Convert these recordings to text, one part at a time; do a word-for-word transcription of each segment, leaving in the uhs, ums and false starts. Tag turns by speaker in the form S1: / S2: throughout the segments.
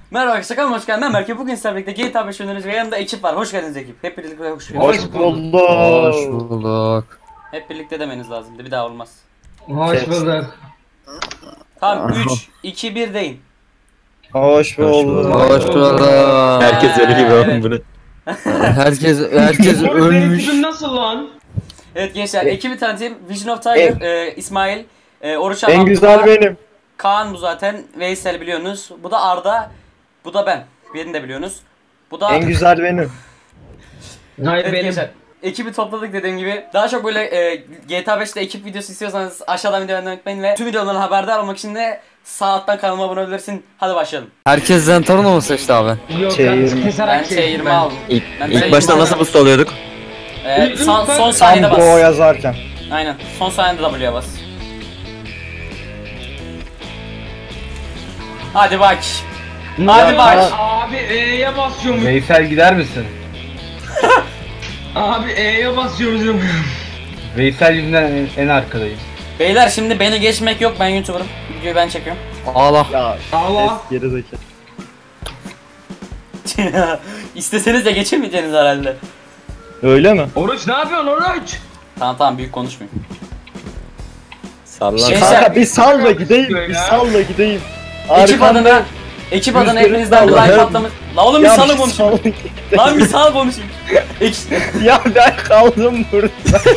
S1: Merhaba arkadaşlar, kanalıma hoş geldin. Ben Berke. Bugün sizlerle birlikte G T A beş oynuyoruz ve yanımda ekip var. Hoş geldiniz ekip. Hep birlikte hoş geldiniz.
S2: Hoş bulduk.
S3: Hoş bulduk.
S1: Hep birlikte demeniz lazımdı. Bir daha olmaz.
S2: Hoş bulduk.
S1: Tamam, üç, iki, bir deyin.
S2: Hoş bulduk.
S3: Hoş bulduk.
S4: Herkes öyle gibi oğlum bunu.
S3: Herkes herkes ölmüş.
S2: Nasıl lan?
S1: Evet gençler, ekibi tanıtayım. Vision of Tiger, e, İsmail, e, Oruç
S2: En
S1: Abdullah,
S2: güzel benim.
S1: Kaan bu zaten, Veysel biliyorsunuz. Bu da Arda, bu da ben. Birini de biliyorsunuz. Bu da...
S2: En güzel benim.
S5: Hayır
S1: Evet
S5: benim.
S1: gençler, ekibi topladık dediğim gibi. Daha çok böyle e, G T A beşte ekip videosu istiyorsanız aşağıdan videoyu beğenmeyi unutmayın ve tüm videolardan haberdar olmak için de sağ alttan kanalıma abone olabilirsin. Hadi başlayalım.
S3: Herkes Zentorno mu seçti abi?
S5: Yok
S2: Şey
S5: ben
S2: yirmi.
S5: keserek
S1: Ben T yirmi aldım.
S4: İlk,
S1: Ben
S4: ilk
S1: ben-
S4: başta nasıl boost oluyorduk?
S1: E, son, son
S2: Tam
S1: saniyede
S2: bu
S1: bas.
S2: yazarken.
S1: Aynen, son saniyede W'ye bas. Hadi bak. Hadi bak.
S5: Abi E'ye basıyorum.
S6: Veysel gider misin?
S5: Abi E'ye basıyorum.
S6: Veysel yüzünden en, en arkadayım.
S1: Beyler şimdi beni geçmek yok, ben YouTuber'ım. Videoyu ben çekiyorum.
S3: Ağla.
S2: Ya
S5: Allah.
S2: es geri zekalı.
S1: İsteseniz de geçemeyeceksiniz herhalde.
S2: Öyle mi?
S5: Oruç ne yapıyorsun Oruç?
S1: Tamam tamam, büyük konuşmayın.
S4: Sallan.
S1: Şey-
S2: Kanka bir sal da gideyim.
S5: Ya.
S2: Bir sal da gideyim.
S1: Ekip
S2: Arkamda-
S1: adına, ekip adına
S2: Rüzgarın
S1: hepinizden bir like
S2: salları.
S1: patlamış. La oğlum bir
S2: Ya
S1: salı
S2: bir
S1: konuşayım.
S2: sal-
S1: Lan bir sal konuşayım. Ek-
S2: Ya ben kaldım burada.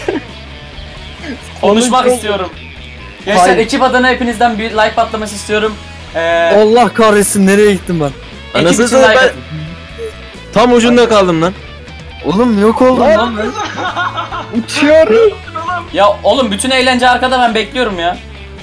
S1: Konuşmak
S2: Oğlum,
S1: istiyorum. Gençler
S2: Hayır.
S1: ekip adına hepinizden bir like patlaması istiyorum. Ee,
S3: Allah kahretsin, nereye gittim ben?
S1: ekip
S4: Nasıl
S1: için
S4: ben
S1: like atın.
S4: tam ucunda kaldım lan.
S3: Oğlum yok oldum lan ben.
S2: Uçuyorum.
S1: Ya oğlum bütün eğlence arkada, ben bekliyorum ya.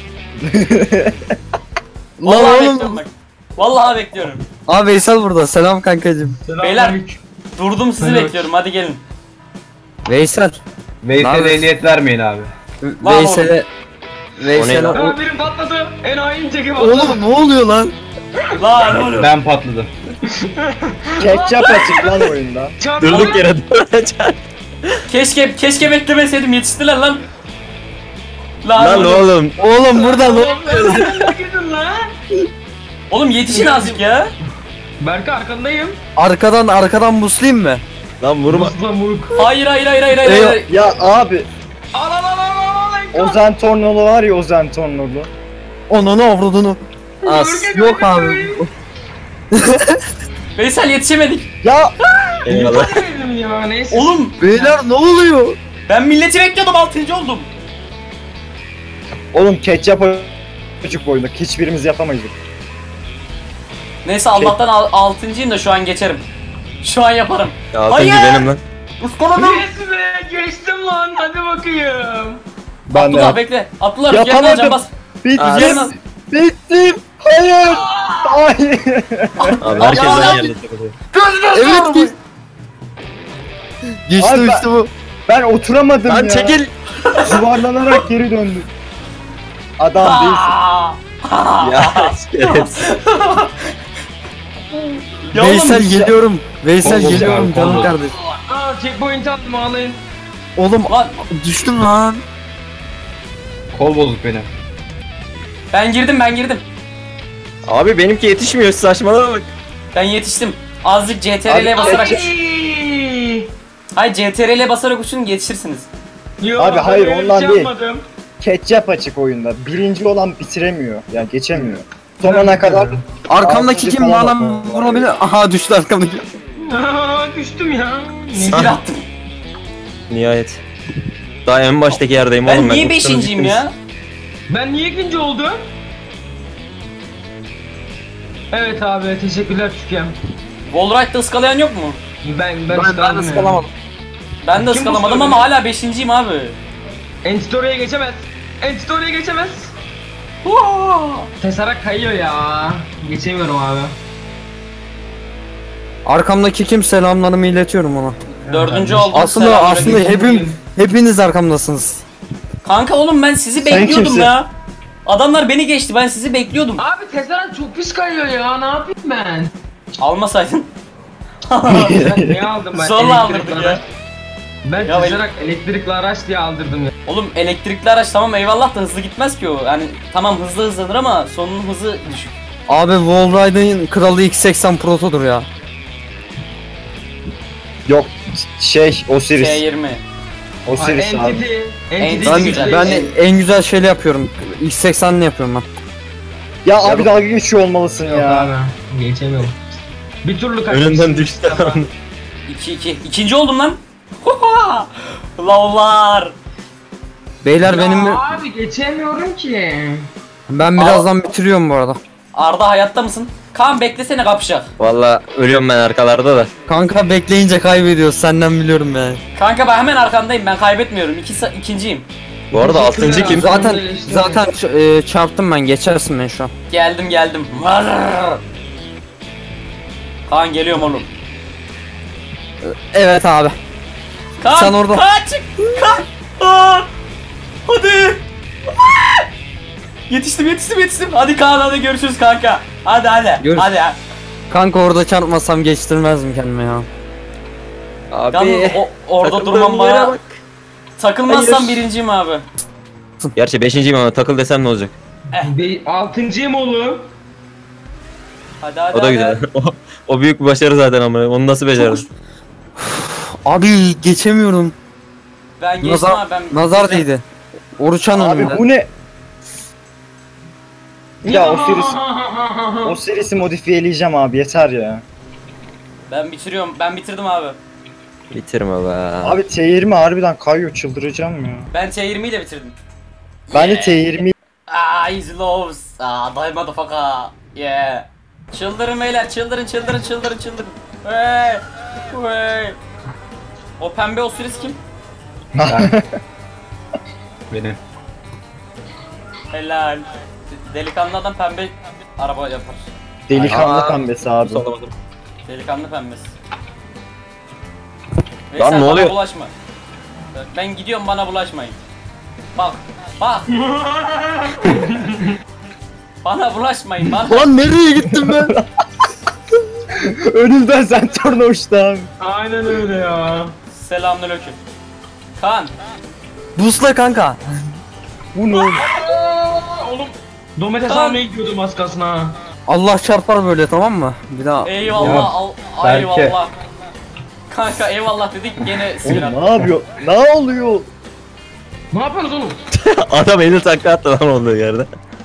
S3: Lan
S1: Vallahi bekliyorum
S3: oğlum.
S1: bak. Vallahi bekliyorum.
S3: Abi Veysel burada. Selam kankacım.
S1: Beyler durdum, sizi
S5: Evet.
S1: bekliyorum, hadi gelin.
S3: Veysel.
S6: Veysel'e
S3: Nerede?
S6: ehliyet vermeyin abi.
S1: Var
S3: Veysel'e Veysel'e
S4: O ne
S3: o...
S5: Aa birim patladı. Enayi çeki patladı.
S3: Oğlum ne oluyor lan?
S1: Lan oğlum.
S6: Ben patladım.
S2: Ketçap açık lan oyunda.
S5: Çarptı.
S4: Durduk yere
S1: Keşke keşke beklemeseydim, yetiştiler lan. Lan,
S4: Lan
S1: oğlum.
S4: oğlum.
S3: Oğlum burada ne?
S5: Ne girdin lan?
S1: Oğlum yetişin azıcık ya.
S5: Berke arkandayım.
S3: Arkadan arkadan buslayayım mı?
S4: Lan vurma.
S5: Musla muruk.
S1: Hayır hayır hayır hayır hayır.
S3: Eyvah.
S1: hayır.
S2: Ya abi.
S5: Al al al al al.
S2: Ozan Tornolu var ya, Ozan Tornolu.
S3: Onunu avradını. As. Yok abi.
S1: Veysel yetişemedik.
S2: Ya
S4: Eyvallah.
S5: Dedim ya neyse.
S1: Oğlum
S3: Beyler ne oluyor?
S1: ben milleti bekliyordum, altıncı oldum.
S2: oğlum ketçap açık oyunda. Hiçbirimiz yapamayız.
S1: Neyse Allah'tan al, altıncıyım da şu an geçerim. Şu an yaparım.
S4: Ya altıncı
S1: Hayır.
S4: benim lan.
S1: Iskaladım.
S5: Yes be geçtim lan hadi bakayım.
S2: Ben de
S1: Abdullah
S2: yap-
S1: bekle. Abdullah rüzgarını
S2: Yapamadım.
S1: alacağım, bas.
S2: Bittim.
S1: Rüzgarını al.
S2: Bittim. Hayır. Hayır.
S4: Abi herkes
S1: Ya,
S4: aynı
S1: ya.
S4: yerde takılıyor.
S3: Evet geç. Geçti
S2: Abi ben-
S3: işte bu.
S2: Ben oturamadım
S4: Lan
S2: ya.
S4: çekil.
S2: Yuvarlanarak geri döndüm. Adam değilsin.
S1: Aa!
S4: Ya şerefsiz.
S1: Ya oğlum,
S3: Veysel geliyorum. Veysel
S6: Oğlum,
S3: geliyorum
S6: oğlum,
S3: canım
S6: oğlum.
S3: kardeş.
S5: Aa checkpoint attım ağlayın.
S3: Oğlum
S1: Lan
S3: düştüm lan.
S6: Kol bozuk benim.
S1: ben girdim ben girdim.
S4: Abi benimki yetişmiyor, saçmalama bak.
S1: Ben yetiştim. Azıcık C T R L'ye
S2: Abi,
S1: basarak.
S5: Ay.
S1: Hayır C T R L'ye basarak uçun, yetişirsiniz.
S5: Yok,
S2: Abi, hayır,
S5: ben öyle
S2: ondan
S5: bir şey
S2: değil.
S5: yapmadım.
S2: Ketçap açık oyunda. Birinci olan bitiremiyor. Yani geçemiyor. Sonuna kadar
S3: Arkamdaki
S2: Altıncı
S3: kim
S2: falan
S3: bana
S2: var.
S3: vurabilir? Aha düştü arkamdaki.
S5: Aa, düştüm ya.
S1: Skill attım.
S4: Nihayet. Daha en baştaki yerdeyim
S1: Ben
S4: oğlum ben.
S1: niye
S4: Uçtunuz
S1: beşinciyim
S4: gittiniz.
S1: ya?
S5: Ben niye ikinci oldum? Evet abi teşekkürler Türkiye'm.
S1: Wallride'da ıskalayan yok mu?
S5: Ben ben,
S3: Ben, ben de ıskalamadım.
S1: Ben de
S5: Kim
S1: ıskalamadım
S5: bu
S1: ama hala beşinciyim abi.
S5: Enstory'e geçemez. Enstory'e geçemez. Tesarak kayıyor ya. Geçemiyorum abi.
S3: Arkamdaki kim, selamlarımı iletiyorum ona.
S1: Dördüncü oldum.
S3: Aslında
S1: selamünaleyküm.
S3: aslında hepim hepiniz arkamdasınız.
S1: Kanka oğlum ben sizi
S2: Sen
S1: bekliyordum
S2: kimsin?
S1: ya. Adamlar beni geçti, ben sizi bekliyordum.
S5: Abi Tesarak çok pis kayıyor ya. Ne yapayım ben?
S1: Almasaydın.
S5: Ben niye aldım ben?
S1: Zorla
S5: Elektrikli
S1: aldırdık ya.
S5: araç. Ben
S1: Ya
S5: Tesarak elektrikli araç diye aldırdım ya.
S1: Oğlum elektrikli araç tamam eyvallah da hızlı gitmez ki o. Yani tamam hızlı hızlanır ama sonunun hızı düşük.
S3: Abi Wallride'ın kralı X seksen Proto'dur ya.
S2: Yok şey Osiris.
S1: T yirmi.
S2: Osiris abi.
S5: Entity. Entity
S3: Ben,
S1: güzel.
S3: ben en güzel şeyle yapıyorum. X seksen'le yapıyorum ben.
S2: Ya abi dalga geçiyor olmalısın
S5: Yok
S2: ya.
S5: abi. Geçemiyorum. Bir türlü kaçmış.
S4: Önünden düştü.
S1: iki iki. İkinci oldum lan. Lavlar.
S3: Beyler
S5: Ya
S3: benim
S5: abi geçemiyorum ki.
S3: ben birazdan bitiriyorum bu arada.
S1: Arda hayatta mısın? Kaan beklesene kapışak.
S4: Valla ölüyorum ben arkalarda da.
S3: Kanka bekleyince kaybediyoruz. Senden biliyorum yani.
S1: Kanka ben hemen arkandayım. Ben kaybetmiyorum. İki, sa- ikinciyim.
S4: Bu arada altıncı kim?
S3: Zaten zaten ç- e, çarptım ben. Geçersin ben şu an.
S1: Geldim geldim. Varr. Kaan geliyorum oğlum.
S3: Evet abi.
S1: Kaan,
S3: Sen orada.
S1: Kaan çık. Kaan. Aa, hadi. Aa! Yetiştim yetiştim yetiştim. Hadi Kaan hadi görüşürüz kanka. Hadi hadi.
S3: Görüş-
S1: Hadi ya.
S3: Kanka orada çarpmasam geçtirmezdim kendime ya.
S4: Abi.
S1: Yalnız o, orada
S4: takıldığım
S1: durmam
S4: yere
S1: bana.
S4: bak.
S1: Takılmazsam
S4: Hayır.
S1: birinciyim abi.
S4: Gerçi beşinciyim ama takıl desem ne olacak?
S5: Be- Altıncıyım oğlum.
S1: Hadi hadi.
S4: O da
S1: hadi.
S4: güzel. o, o büyük bir başarı zaten ama onu nasıl beceririz?
S3: Abi geçemiyorum.
S1: Ben geçtim
S3: Nazar,
S1: abi ben.
S3: nazar değdi. Oruçan
S2: Abi
S3: önünde.
S2: bu ne? Ya Osiris. Osiris'i modifiyeleyeceğim abi yeter ya.
S1: Ben bitiriyorum. Ben bitirdim abi.
S4: Bitirme be.
S2: Abi T yirmi harbiden kayıyor çıldıracağım ya.
S1: Ben T yirmi ile bitirdim.
S2: Ben de T yirmi
S1: Aa easy loves. Aa die motherfucker. Yeah. Çıldırın beyler çıldırın çıldırın çıldırın çıldırın. Hey. Hey. O pembe Osiris kim?
S6: Benim.
S1: Helal. Delikanlı adam pembe araba yapar.
S2: delikanlı
S4: Aa.
S2: pembesi abi.
S1: Delikanlı pembesi.
S4: Lan
S1: Veysel,
S4: ne
S1: bana
S4: oluyor?
S1: bulaşma. Ben gidiyorum bana bulaşmayın. Bak. Bak. Bana bulaşmayın bana.
S3: Lan nereye gittim ben?
S2: Önümden sen torna uçtu abi.
S5: Aynen öyle ya.
S1: Selamünaleyküm. Kaan.
S3: Busla kanka.
S2: Bu ne oğlum?
S5: Aa, oğlum. Domates
S1: Tamam.
S5: almaya gidiyordum az kalsın ha.
S3: Allah çarpar böyle, tamam mı? Bir daha.
S1: Eyvallah.
S6: Ya,
S1: Al,
S6: Berke.
S1: eyvallah. Kanka eyvallah dedik gene sinir
S2: Oğlum ne yapıyor? Ne oluyor?
S5: Ne yapıyorsunuz oğlum?
S4: Adam elini takla attı lan olduğu yerde.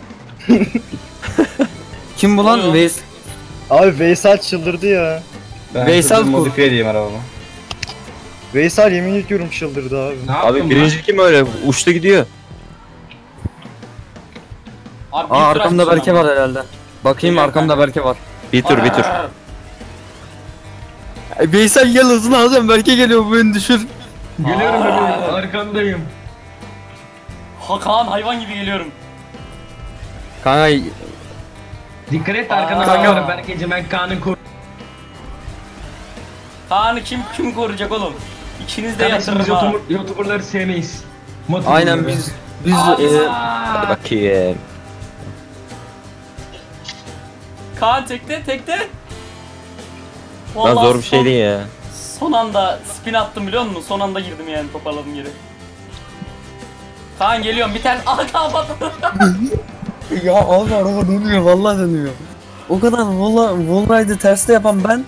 S3: Kim bu lan?
S1: Oğlum.
S3: Veys
S2: Abi Veysel çıldırdı ya.
S6: Ben
S3: Veysel
S6: hızlı
S3: bu.
S6: modifiye edeyim arabamı.
S2: Veysel yemin ediyorum çıldırdı abi.
S5: Ne yaptın
S4: Abi birinci kim öyle uçtu gidiyor.
S1: Abi,
S3: Aa,
S1: bir
S3: arkamda
S1: tıraş
S3: Berke var herhalde. Bakayım,
S1: Geliyorum
S3: arkamda
S1: kanka.
S3: Berke var.
S4: Bir tur bir tur.
S1: Arr.
S3: E, Veysel gel, hızını alacağım. Berke geliyor, bu beni düşür.
S5: Geliyorum
S1: Aa.
S5: geliyorum. Arkandayım.
S1: Ha Kaan hayvan gibi geliyorum.
S3: Kanka
S5: Dikkat et
S1: Aa.
S5: arkana bakıyorum. Berkeciğim ben Kaan'ın kur.
S1: Kaan'ı kim kim koruyacak oğlum? İkiniz de
S5: Kardeşim biz
S1: yatırırım ha.
S5: YouTuber, YouTuber'ları sevmeyiz. Motor
S3: aynen
S5: YouTuber'ları.
S3: biz biz
S1: Abi,
S3: e,
S4: Hadi bakayım.
S1: Kaan tekte tekte.
S4: Lan
S1: Vallahi
S4: zor bir şey
S1: son-
S4: değil ya.
S1: Son anda spin attım biliyor musun? Son anda girdim yani toparladım geri. Kaan geliyorum bir tane. Aha Kaan patladı.
S3: ya abi araba dönüyor, vallahi dönüyor. O kadar valla Wallride'ı terste yapan ben.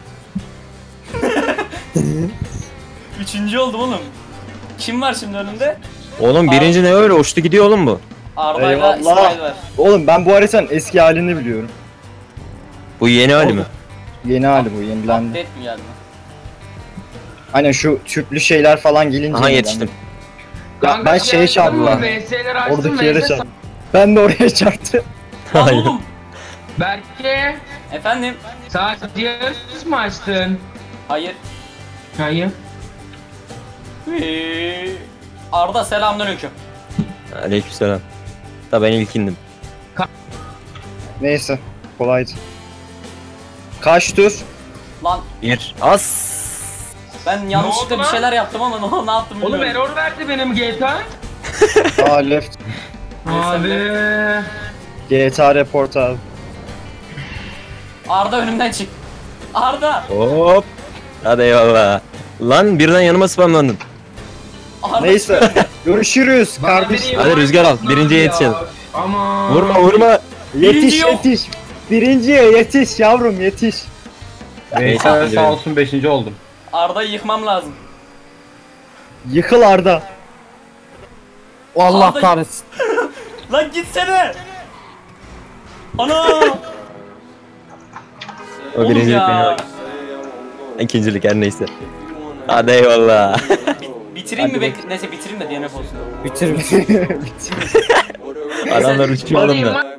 S1: Üçüncü oldum oğlum. Kim var şimdi önümde?
S4: Oğlum birinci ne öyle uçtu gidiyor oğlum bu.
S1: Arda'yla
S2: Eyvallah.
S1: İsmail var.
S2: Oğlum ben bu haritanın eski halini biliyorum.
S4: Bu yeni hali mi?
S2: Yeni hali bu yenilendi.
S1: Update mi geldi?
S2: Aynen şu tüplü şeyler falan gelince.
S4: Aha
S2: yenilendi.
S4: yetiştim.
S2: Ya
S5: Kanka,
S2: ben şeye
S5: şey açtın mı?
S2: çarptım.
S5: V S'leri açtın.
S2: Oradaki
S5: V
S2: yere
S5: S
S2: çarptım. Ben de oraya çarptım.
S1: Lan
S4: Hayır.
S1: oğlum.
S5: Berke.
S1: Efendim?
S5: Sadece yarış mı açtın?
S1: Hayır.
S5: Hayır.
S1: Ee, Arda selamünaleyküm.
S4: Aleykümselam. Da ben ilkindim.
S2: Neyse kolaydı. Kaç tur?
S1: Lan
S4: Bir. As.
S1: ben yanlışlıkla
S5: oldu
S1: bir
S5: lan?
S1: şeyler yaptım ama ne, ne yaptım
S5: Oğlum
S1: bilmiyorum.
S5: error verdi benim G T A.
S2: Aa left.
S5: Abi.
S2: G T A report abi.
S1: Arda önümden çık. Arda.
S4: Hop. Hadi eyvallah. Lan birden yanıma spamlandın.
S1: Arda
S2: Neyse. Görüşürüz
S5: Bana
S2: kardeşim.
S5: biri
S4: Hadi
S5: invite
S4: rüzgar al,
S5: atmaz
S4: birinciye
S5: ya.
S4: yetişelim.
S5: Aman.
S4: Vurma vurma.
S2: Yetiş
S1: Birinci yok.
S2: yetiş. Birinciye yetiş yavrum yetiş.
S6: Veysel
S4: ikinci
S6: sağ
S4: benim.
S6: olsun beşinci oldum.
S1: Arda'yı yıkmam lazım.
S2: Yıkıl Arda.
S3: Allah
S1: Abi-
S3: kahretsin.
S1: Lan gitsene. Ana.
S4: O
S1: Oğlum
S4: birincilik
S1: ya.
S4: benim bak. İkincilik her neyse. Hadi eyvallah.
S1: Bitireyim mi? Bek Neyse bitireyim de D N F olsun.
S3: Bitir bitir.
S4: Adamlar uçuyor oğlum da.
S5: Hadi